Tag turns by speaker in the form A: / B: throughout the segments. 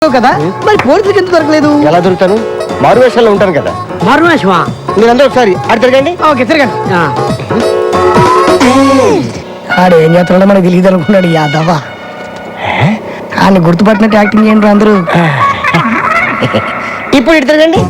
A: కదా మరి పోలీసులకు ఎందుకు దొరకలేదు?
B: ఎలా దొరుకుతాను? మారువేషాల్లో ఉంటాను కదా.
A: మారువేషమా?
B: మీరందరూ ఒకసారి అటు తిరగండి.
A: ఓకే తిరగండి. ఆడు ఏం చేస్తున్నాడో మనకు తెలియదు అనుకున్నాడు యాదవ. ఆయన గుర్తుపట్టినట్టు యాక్టింగ్ చేయండి అందరూ.
B: ఇప్పుడు ఇటు తిరగండి.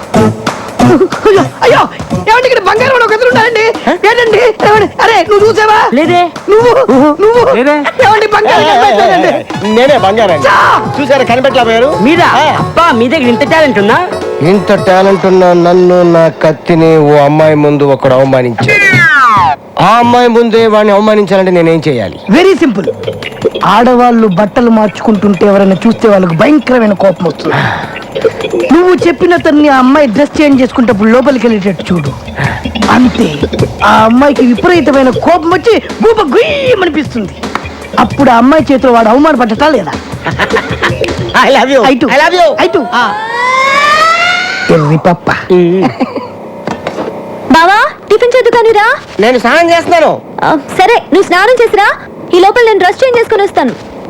A: అయ్యో ఏమండి ఇక్కడ బంగారం ఒక ఎదురు ఉన్నాయండి. ఏంటండి అరే నువ్వు చూసావా? లేదే. నువ్వు ఏమండి బంగారం?
B: నేనే బంగారం. చూసారా కనిపెట్టలేకపోయారు?
A: మీరా? అబ్బా మీ దగ్గర ఇంత టాలెంట్ ఉందా?
B: ఇంత టాలెంట్ ఉన్న నన్ను నా కత్తిని ఓ అమ్మాయి ముందు ఒకడు అవమానించాడు. ఆ అమ్మాయి ముందే వాడిని అవమానించాలంటే నేనేం చేయాలి?
A: Very simple. ఆడవాళ్ళు బట్టలు మార్చుకుంటుంటే ఎవరైనా చూస్తే వాళ్ళకి భయంకరమైన కోపం వస్తుంది. నువ్వు చెప్పిన తన్ని ఆ అమ్మాయి డ్రెస్ చేంజ్ చేసుకుంటప్పుడు లోపలికి వెళ్ళేటట్టు చూడు. అంతే. ఆ అమ్మాయికి విపరీతమైన కోపం వచ్చి గూప గుయ్యమనిపిస్తుంది. అప్పుడు ఆ అమ్మాయి చేతిలో వాడు అవమానపడ్డటా లేదా?
B: I love you. I love you.
A: ఎర్రి పప్ప.
C: బావా టిఫిన్ చేద్దుకానిరా.
B: నేను స్నానం చేస్తున్నాను.
C: సరే నువ్వు స్నానం చేసిరా. ఈ లోపల నేను డ్రెస్ చేంజ్ చేసుకుని వస్తాను.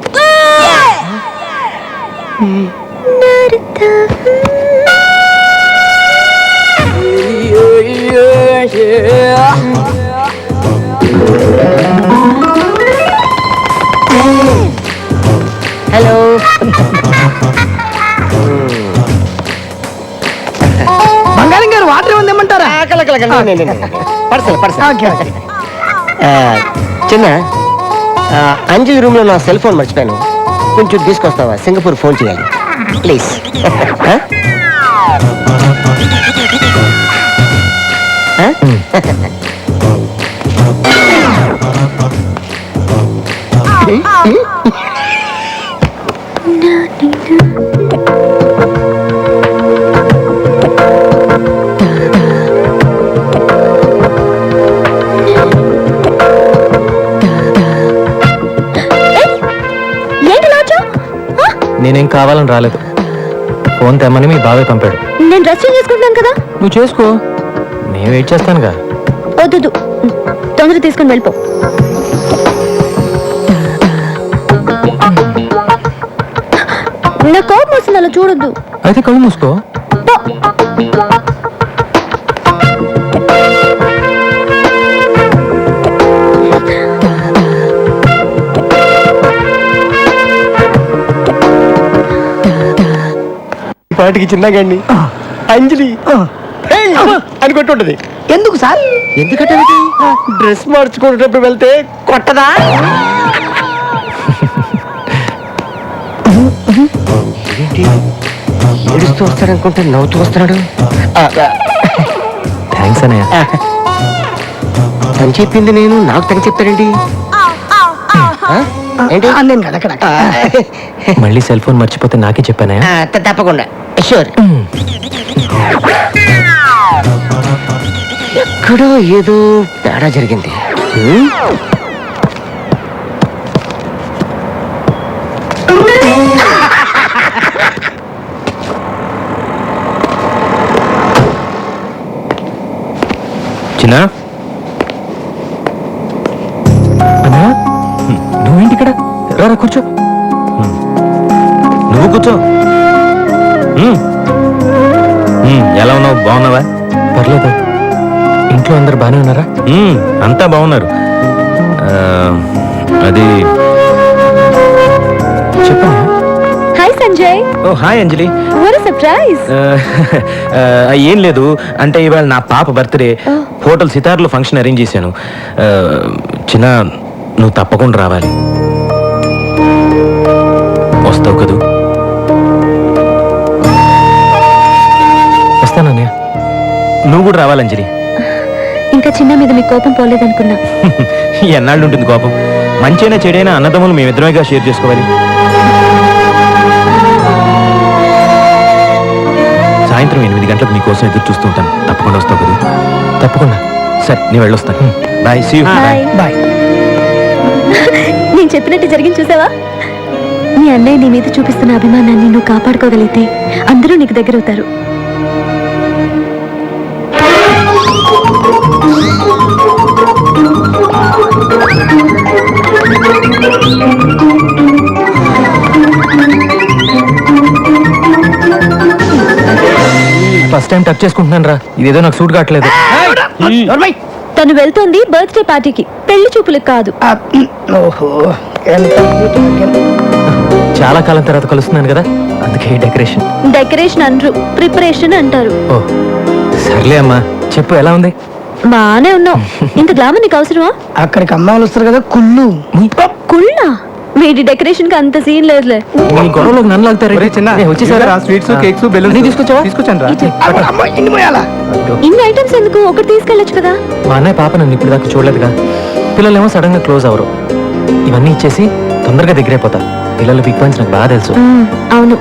B: హలో.
A: బంగారం గారు వాటర్ ఏముంది ఏమంటారా?
B: చిన్న అంజలి రూమ్ లో నా సెల్ ఫోన్ మర్చిపోయాను. కొంచెం తీసుకొస్తావా? సింగపూర్ ఫోన్ చేయాలి ప్లీజ్.
D: నేనేం కావాలని రాలేదు. ఫోన్ తెమ్మని మీ బాబాయ్ పంపాడు.
C: నేను డ్రెస్ చేంజ్ చేసుకుంటున్నాను కదా.
D: నువ్వు చేసుకో, నేను వెయిట్ చేస్తానుగా.
C: వద్దు తొందర తీసుకుని వెళ్ళిపో. నా కోపం వస్తుంది, అలా చూడొద్దు.
D: అయితే కళ్ళు మూసుకో.
B: పాటికి చిన్నగాండి అంజలి అని కొట్టుంటది.
A: ఎందుకు సార్?
B: ఎందుకంటే డ్రెస్ మార్చుకునేటప్పుడు వెళ్తే కొట్టదా? ఏంటి ఏడుస్తూ వస్తాడనుకుంటే నవ్వుతూ వస్తున్నాడు.
D: థ్యాంక్స్ అన్నయ్య.
B: తను చెప్పింది నేను నాకు తగ్గ చెప్తాడండి. ఏంటి
A: నేను కదా అక్కడ
D: మళ్ళీ సెల్ ఫోన్ మర్చిపోతే నాకే చెప్పానయ్య.
B: తప్పకుండా షూర్. ఎక్కడో ఏదో తేడా జరిగింది.
D: చిన్న నువ్వేంటి ఇక్కడ? రారా కూర్చో. నువ్వు కూర్చో. ఎలా ఉన్నావు? బాగున్నావా? పర్లేదు. ఇంట్లో అందరు బాగానే ఉన్నారా? అంతా బాగున్నారు. అది చెప్పనా?
C: Hi Sanjay.
D: Oh hi Anjali.
C: What a surprise.
D: ఏం లేదు, అంటే ఇవాళ నా పాప బర్త్డే. హోటల్ సితార్లో ఫంక్షన్ అరేంజ్ చేశాను. చిన్న నువ్వు తప్పకుండా రావాలి. వస్తావు కదూ? వస్తానన్నయ్య. నువ్వు కూడా రావాలి అంజలి.
C: ఇంకా చిన్న మీద మీ కోపం పోలేదనుకున్నా.
D: ఎన్నాళ్ళు ఉంటుంది కోపం? మంచైనా చెడైనా అన్నదమ్ములు మేమిద్దరమేగా షేర్ చేసుకోవాలి. సాయంత్రం 8 గంటలకు నీకోసం ఎదురు చూస్తూ ఉంటాను. తప్పకుండా వస్తావు కదూ? తప్పకుండా. సరే నేను వెళ్ళొస్తాను. బాయ్. See you.
A: బాయ్.
C: నేను చెప్పినట్టు జరిగింది చూసావా? నీ అన్నయ్య నీ మీద చూపిస్తున్న అభిమానాన్ని నువ్వు కాపాడుకోగలిగితే అందరూ నీకు దగ్గరవుతారు.
D: ఫస్ట్ టైం టచ్ చేసుకుంటున్నాను రా, ఇదేదో నాకు సూట్ కావట్లేదు.
A: నోర్మై.
C: తను వెళ్తోంది బర్త్డే పార్టీకి, పెళ్లి చూపులకు కాదు.
A: ఓహో, ఎంత
D: చాలా కాలం తర్వాత కలుస్తున్నాను కదా, అందుకే ఈ డెకరేషన్.
C: డెకరేషన్ అనరు, ప్రిపరేషన్ అంటారు.
D: ఓ సర్లే అమ్మా, చెప్పు ఎలా ఉంది?
C: బానే ఉన్నావు. ఇంత గ్లామర్ నీకు అవసరమా?
A: అక్కడికి అమ్మాయిలు వస్తారు కదా కుళ్ళు.
C: కుళ్ళా? వీటి డెకరేషన్ కి అంత సీన్ లేదులే.
D: ఈ గొడవలోకి నన్ను లాగుతారు.
E: వచ్చేసారా? స్వీట్స్, కేక్స్, బెలూన్స్
D: తీసుకొచ్చావా?
E: తీసుకొచ్చాను రా.
A: అమ్మాయి ఇన్ని పోయాలా?
C: ఇన్ని ఐటమ్స్ ఎందుకు? ఒకటి తీసుకెళ్ళొచ్చు కదా.
D: మా అన్నయ్య పాప నన్ను ఇప్పుడు దాకా చూడలేదుగా. పిల్లలేమో సడన్ గా క్లోజ్ అవరు. ఇవన్నీ ఇచ్చేసి తొందరగా దగ్గరైపోతా. పిల్లలు బిగ్ పాయింట్స్ నాకు బాగా తెలుసు.
C: అవును,